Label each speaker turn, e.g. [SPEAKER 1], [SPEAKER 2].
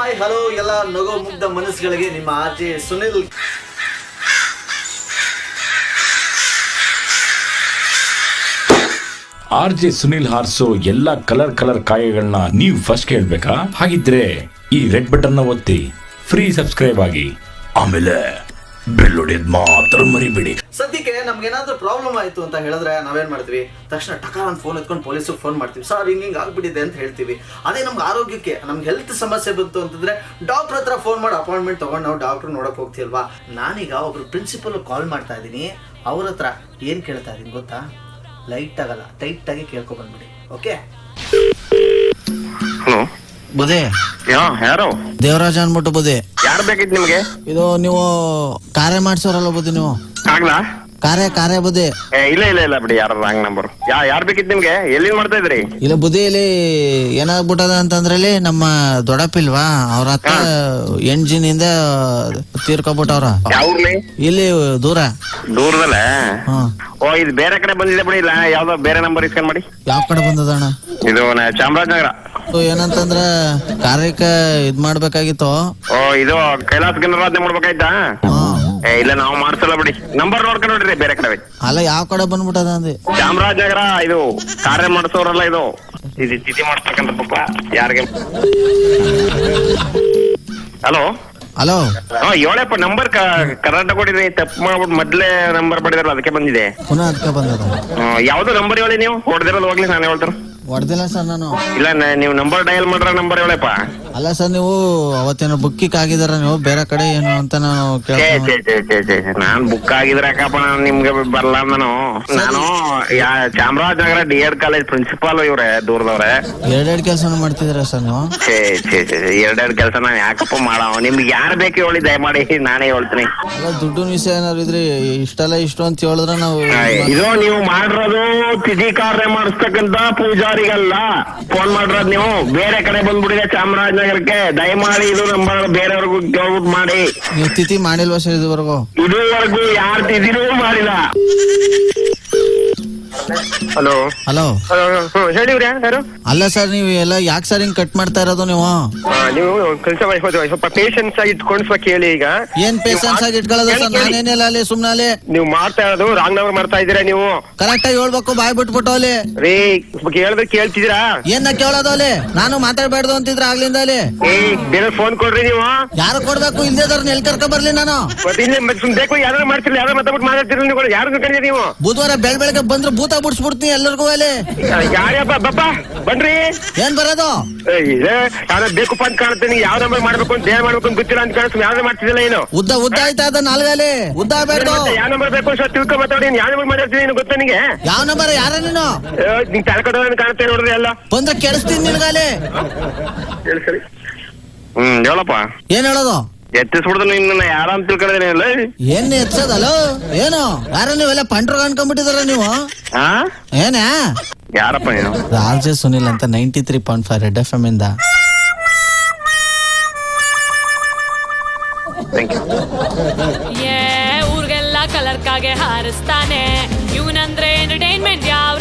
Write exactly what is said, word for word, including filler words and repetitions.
[SPEAKER 1] Hi hello ಎಲ್ಲ ನಗೋ ಮುಗ್ಧ ಮನಸ್ಸುಗಳಿಗೆ ನಿಮ್ಮ R J Sunil.
[SPEAKER 2] R J Sunil ಹಾರ್ಸೋ ಎಲ್ಲಾ ಕಲರ್ ಕಲರ್ ಕಾಯಗಳನ್ನ ನೀವು ಫಸ್ಟ್ ಕೇಳ್ಬೇಕಾ? ಹಾಗಿದ್ರೆ ಈ ರೆಡ್ ಬಟನ್ ನ ಒತ್ತಿ ಫ್ರೀ ಸಬ್ಸ್ಕ್ರೈಬ್ ಆಗಿ, ಆಮೇಲೆ ಬೆಲ್ ಹೊಡೆಯೋದ್ ಮಾತ್ರ ಮರಿಬೇಡಿ.
[SPEAKER 1] ಸದ್ಯಕ್ಕೆ ನಮ್ಗೆ ಏನಾದ್ರೂ ಪ್ರಾಬ್ಲಮ್ ಆಯ್ತು ಅಂತ ಹೇಳಿದ್ರೆ ನಾವೇನ್ ಮಾಡ್ತೀವಿ, ತಕ್ಷಣ ಟಕಾರ ಒಂದು ಫೋನ್ ಎತ್ಕೊಂಡು ಪೊಲೀಸಿಗೆ ಫೋನ್ ಮಾಡ್ತೀವಿ. ಸರ್ ಹಿಂಗೆ ಹಿಂಗೆ ಆಗ್ಬಿಟ್ಟಿದೆ ಅಂತ ಹೇಳ್ತೀವಿ. ಅದೇ ನಮ್ಗೆ ಆರೋಗ್ಯಕ್ಕೆ ನಮ್ಗೆ ಹೆಲ್ತ್ ಸಮಸ್ಯೆ ಬಂತು ಅಂತಂದ್ರೆ ಡಾಕ್ಟರ್ ಹತ್ರ ಫೋನ್ ಮಾಡಿ ಅಪಾಯಿಂಟ್ಮೆಂಟ್ ತಗೊಂಡು ನಾವು ಡಾಕ್ಟರ್ ನೋಡಕ್ ಹೋಗ್ತೀವಲ್ವಾ. ನಾನೀಗ ಒಬ್ರು ಪ್ರಿನ್ಸಿಪಲ್ ಕಾಲ್ ಮಾಡ್ತಾ ಇದ್ದೀನಿ. ಅವ್ರ ಹತ್ರ ಏನ್ ಕೇಳ್ತಾ ಇದೀನಿ ಗೊತ್ತಾ? ಲೈಟ್ ಆಗಲ್ಲ, ಟೈಟ್ ಆಗಿ ಕೇಳ್ಕೊ ಬಂದ್ಬಿಡಿ. ಓಕೆ.
[SPEAKER 3] ಹಲೋ
[SPEAKER 4] ಬುದೇ,
[SPEAKER 3] ಯಾರು?
[SPEAKER 4] ದೇವರಾಜ ಅನ್ಬಿಟ್ಟು ಬುದೇ.
[SPEAKER 3] ಯಾರು ಬೇಕಿತ್ತು ನಿಮ್ಗೆ?
[SPEAKER 4] ಇದು ನೀವು ಕಾರ್ಯ ಮಾಡ್ಸೋರಲ್ಲ ಬುದಿ, ನೀವು
[SPEAKER 3] ಆಗ್ಲಾ?
[SPEAKER 4] ಕಾರ್ಯ ಕಾರ್ಯ ಬುದೇ.
[SPEAKER 3] ಏ ಇಲ್ಲ ಇಲ್ಲ ಇಲ್ಲ ಬಿಡಿ, ಯಾರು ರಾಂಗ್ ನಂಬರ್. ಯಾ ಯಾರು ಬೇಕಿತ್ತು ನಿಮ್ಗೆ? ಎಲ್ಲಿಂದ ಮಾಡ್ತಾ ಇದ್ರಿ?
[SPEAKER 4] ಇಲ್ಲ ಬುದಿ, ಇಲ್ಲಿ ಏನಾಗ್ಬಿಟ್ಟದ ಅಂತಂದ್ರೆ ಇಲ್ಲಿ ನಮ್ಮ ದೊಡ್ಡಪ್ಪಿಲ್ವಾ, ಅವ್ರ ಹತ್ರ ಎಂಜಿನ್ ಇಂದ ತೀರ್ಕೊಬಿಟ್ಟವ್ರ.
[SPEAKER 3] ಯಾವ್ಲಿ?
[SPEAKER 4] ಇಲ್ಲಿ ದೂರ
[SPEAKER 3] ದೂರದಲ್ಲ.
[SPEAKER 4] ಹ್ಮ್.
[SPEAKER 3] ಓ ಇದು ಬೇರೆ ಕಡೆ ಬಂದಿದೆ ಬಿಡಿ. ಇಲ್ಲ ಯಾವ್ದೋ ಬೇರೆ ನಂಬರ್ ಇಸ್ಕೊಂಡ್ ಮಾಡಿ.
[SPEAKER 4] ಯಾವ ಕಡೆ ಬಂದದಣ್ಣ?
[SPEAKER 3] ಇದು ಚಾಮರಾಜನಗರ.
[SPEAKER 4] ಏನಂತಂದ್ರ ಕಾರ್ಯಕ್ಕ ಇದ್ ಮಾಡ್ಬೇಕಾಗಿತ್ತು.
[SPEAKER 3] ಓ ಇದು ಕೈಲಾಸ ಗಣರಾಜ್ಯ ಮಾಡ್ಬೇಕಾಯ್ತಾ? ಏ ಇಲ್ಲ ನಾವು ಮಾಡ್ಸಲ್ಲ ಬಿಡಿ. ನಂಬರ್ ನೋಡ್ಕೊಂಡು ನೋಡ್ರಿ ಬೇರೆ ಕಡೆ.
[SPEAKER 4] ಅಲ್ಲ ಯಾವ ಕಡೆ ಬಂದ್ಬಿಟ್ಟದ ಅಂದೆ.
[SPEAKER 3] ಚಾಮರಾಜನಗರ. ಇದು ಕಾರ್ಯ ಮಾಡಿಸೋರಲ್ಲ, ಇದು ಇದು ತಿಥಿ ಮಾಡ್ತಕ್ಕಂಥ ಪಪ್ಪ ಯಾರಿಗೆ. Hello
[SPEAKER 4] hello.
[SPEAKER 3] ಹಾ ಹೇಳಪ್ಪ, ನಂಬರ್ ಕರೆಕ್ಟ್ ಕೊಡಿದ್ರಿ. ತಪ್ಪು ಮಾಡ್ಬಿಟ್ಟು ಮೊದ್ಲೇ ನಂಬರ್ ಪಡೆದಿರಲ್ಲ, ಅದಕ್ಕೆ ಬಂದಿದೆ.
[SPEAKER 4] ಪುನಃ ಅದಕ್ಕೆ ಬಂದದ.
[SPEAKER 3] ಯಾವ್ದು ನಂಬರ್ ಹೇಳಿ ನೀವು? ಹೊಡೆದಿರೋದು ಹೋಗ್ಲಿ, ನಾನು ಹೇಳ್ತಾರ.
[SPEAKER 4] ಹೊಡೆದಿಲ್ಲ ಸರ್ ನಾನು.
[SPEAKER 3] ಇಲ್ಲ ನೀವು ನಂಬರ್ ಡಯಲ್ ಮಾಡ್ರ ನಂಬರ್ ಹೇಳಪ್ಪ.
[SPEAKER 4] ಅಲ್ಲ ಸರ್, ನೀವು ಅವತ್ತೇನೋ ಬುಕ್ಕಿಕ್ ಆಗಿದಾರ ನೀವು ಬೇರೆ ಕಡೆ ಏನು ಅಂತ ನಾನು
[SPEAKER 3] ನಾನ್ ಬುಕ್ ಆಗಿದ್ರೆ ಯಾಕಪ್ಪ, ನಾನು ನಿಮ್ಗೆ ಬರಲ್ಲ. ನಾನು ನಾನು Chamarajanagar D Ed college principal ಇವ್ರೆ, ದೂರದವ್ರೆ.
[SPEAKER 4] ಎರಡೆರಡು ಕೆಲಸ ಮಾಡ್ತಿದ್ದೀರಾ ಸರ್ ನೀವು?
[SPEAKER 3] ಛೇ ಛೇ ಛೇ ಎರಡೆರಡು ಕೆಲಸ ನಾನು ಯಾಕಪ್ಪ ಮಾಡವ? ನಿಮ್ಗೆ ಯಾರು ಬೇಕು ಹೇಳಿ, ದಯಮಾಡಿ ನಾನೇ ಹೇಳ್ತೀನಿ.
[SPEAKER 4] ಅಲ್ಲ ದುಡ್ಡು ವಿಷಯ ಏನಾದ್ರು ಇದ್ರೆ ಇಷ್ಟಲ್ಲ ಇಷ್ಟು ಅಂತ ಹೇಳಿದ್ರೆ ನಾವು.
[SPEAKER 3] ಇದು ನೀವು ಮಾಡಿರೋದು ತಿಥಿ ಕಾರ್ಯ ಮಾಡಿಸ್ತಕ್ಕಂತ ಪೂಜಾರಿಗಲ್ಲ ಫೋನ್ ಮಾಡಿರೋದು. ನೀವು ಬೇರೆ ಕಡೆ ಬಂದ್ಬಿಟ್ಟಿದೆ ಚಾಮರಾಜನಗರಕ್ಕೆ. ದಯಮಾಡಿ ಇದು ನಂಬರ್ ಬೇರೆಯವ್ರಿಗೂ ಕೇಳ್ಬಿಟ್ಟು ಮಾಡಿ.
[SPEAKER 4] ನೀವು ತಿಥಿ ಮಾಡಿಲ್ವಾ ಸರ್ ಇದುವರೆಗೂ?
[SPEAKER 3] ಇದುವರೆಗೂ ಯಾರು ತಿಥಿನೂ ಮಾಡಿಲ್ಲ. Hello
[SPEAKER 4] hello.
[SPEAKER 3] ಹೇಳಿವ್ರಿ ಯಾರು?
[SPEAKER 4] ಅಲ್ಲ ಸರ್, ನೀವು ಎಲ್ಲ ಯಾಕೆ ಸರ್ ಹಿಂಗ್ ಕಟ್ ಮಾಡ್ತಾ ಇರೋದು ನೀವು?
[SPEAKER 3] ನೀವು ಕೆಲಸ ಸ್ವಲ್ಪ ಪೇಷನ್ಸ್ ಆಗಿ ಇಟ್ಕೊಂಡು ಸ್ವಲ್ಪ ಕೇಳಿ. ಈಗ
[SPEAKER 4] ಏನ್ ಪೇಷನ್ಸ್ ಆಗಿ ಇಟ್ಕೊಳ್ಳೋದು ಸರ್? ನಾನೇನಿಲ್ಲ ಅಲ್ಲಿ ಸುಮ್ನೆ ಅಲ್ಲಿ.
[SPEAKER 3] ನೀವು ಮಾಡ್ತಾ ಇರೋದು ರಾಂಗ್ ನಂಬರ್ ಮಾಡ್ತಾ ಇದೀರಾ. ನೀವು
[SPEAKER 4] ಕರೆಕ್ಟ್ ಆಗಿ ಹೇಳ್ಬೇಕು, ಬಾಯ್ ಬಿಟ್ಬಿಟ್ಟು ಅಲ್ಲಿ.
[SPEAKER 3] ರೀ ಕೇಳಿದ್ರೆ ಕೇಳ್ತಿದ್ದೀರಾ?
[SPEAKER 4] ಏನ್ ಕೇಳೋದು ಅಲ್ಲಿ? ನಾನು ಮಾತಾಡ್ಬಾರ್ದು ಅಂತಿದ್ರ ಆಗ್ಲಿಂದ ಅಲ್ಲಿ.
[SPEAKER 3] ಏ ಬೇರೆ ಫೋನ್ ಕೊಡ್ರಿ ನೀವು.
[SPEAKER 4] ಯಾರು ಕೊಡ್ಬೇಕು? ಇಲ್ದೇದವ್ರನ್ನ ಎಲ್ಲಿ ಕರ್ಕೊ ಬರ್ಲಿ ನಾನು?
[SPEAKER 3] ಬೇಕು ಯಾರು ಮಾಡ್ತಿರ್ಲಿ, ಯಾರು ಮಾತಾಡ್ಬಿಟ್ಟು ಮಾತಾಡ್ತಿರ್ಲಿ. ನೀವು ಯಾರು ಕರೀರಿ ನೀವು?
[SPEAKER 4] ಬುಧವಾರ ಬೆಳ್ ಬೆಳಗ್ಗೆ ಬಂದ್ರೆ ಭೂತ ಬಿಡ್ಸ್ಬಿಡ್ತೀನಿ ಎಲ್ಲರಿಗೂ ಅಲ್ಲಿ.
[SPEAKER 3] ಯಾರ್ಯಪ್ಪ ಬಪ್ಪ ಬನ್ರಿ.
[SPEAKER 4] ಏನ್ ಬರೋದು?
[SPEAKER 3] ಯಾವ್ದು ಬೇಕಪ್ಪ ಅಂತ ಕಾಣುತ್ತೆ. ನೀವು ಯಾವ ನಂಬರ್ ಮಾಡ್ಬೇಕು ಅಂತ ಏನ್ ಮಾಡ್ಬೇಕು ಅಂತ ಗೊತ್ತಿಲ್ಲ ಅಂತ ಕಾಣಿಸ್ತು. ಯಾವ್ದು ಮಾಡ್ತಿದ್ದಿಲ್ಲ ಏನು?
[SPEAKER 4] ಉದ್ದ ಉದ್ದ ಆಯ್ತಾ ಅದ ನಾಲ್ಗಲ್ಲಿ ಉದ್ದ ಬೇಡ.
[SPEAKER 3] ಯಾವ ನಂಬರ್ ಬೇಕು ಅಂತ ತಿಳ್ಕೊ ಮಾತಾಡಿ. ಯಾವ ನಂಬರ್ ಮಾತಾಡ್ತೀನಿ ಗೊತ್ತಾ ನಿಂಗೆ?
[SPEAKER 4] ಯಾವ ನಂಬರ್? ಯಾರ ನೀನು?
[SPEAKER 3] ನಿಂಗೆ ತಳ್ಕೊಡೋ ಕಾಣುತ್ತೆ ನೋಡ್ರಿ ಎಲ್ಲ.
[SPEAKER 4] ಬಂದ್ರೆ ಕೆಡಿಸ್ತೀನಿ ನಿನ್ಗಾಲಿ.
[SPEAKER 3] ಹ್ಮ್ ಹೇಳಪ್ಪ.
[SPEAKER 4] ಏನ್ ಹೇಳೋದು?
[SPEAKER 3] ಎತ್ತಿಸ್ಬಿಡ್ದು ನಿನ್ನ ಯಾರ ಅಂತ ತಿಳ್ಕೊಂಡಿಲ್ಲ.
[SPEAKER 4] ಏನ್ ಎತ್ಸದಲ್ಲ ಏನು? ಯಾರ ನೀವೆಲ್ಲ ಪಂಟ್ರು ಅನ್ಕೊಂಡ್ಬಿಟ್ಟಿದಾರ ನೀವು? ಏನ
[SPEAKER 3] ಯಾರಪ್ಪ ನೀನು?
[SPEAKER 4] ಆರ್ ಜೆ ಸುನಿಲ್ ಅಂತ ninety three point five red F M ಇಂದ.
[SPEAKER 5] ಊರ್ಗೆಲ್ಲ ಕಲರ್ ಕಾಗೆ ಹಾರಿಸ್ತಾನೆ ಇವನಂದ್ರೆ ಎಂಟರ್ಟೈನ್ಮೆಂಟ್ ಯಾವ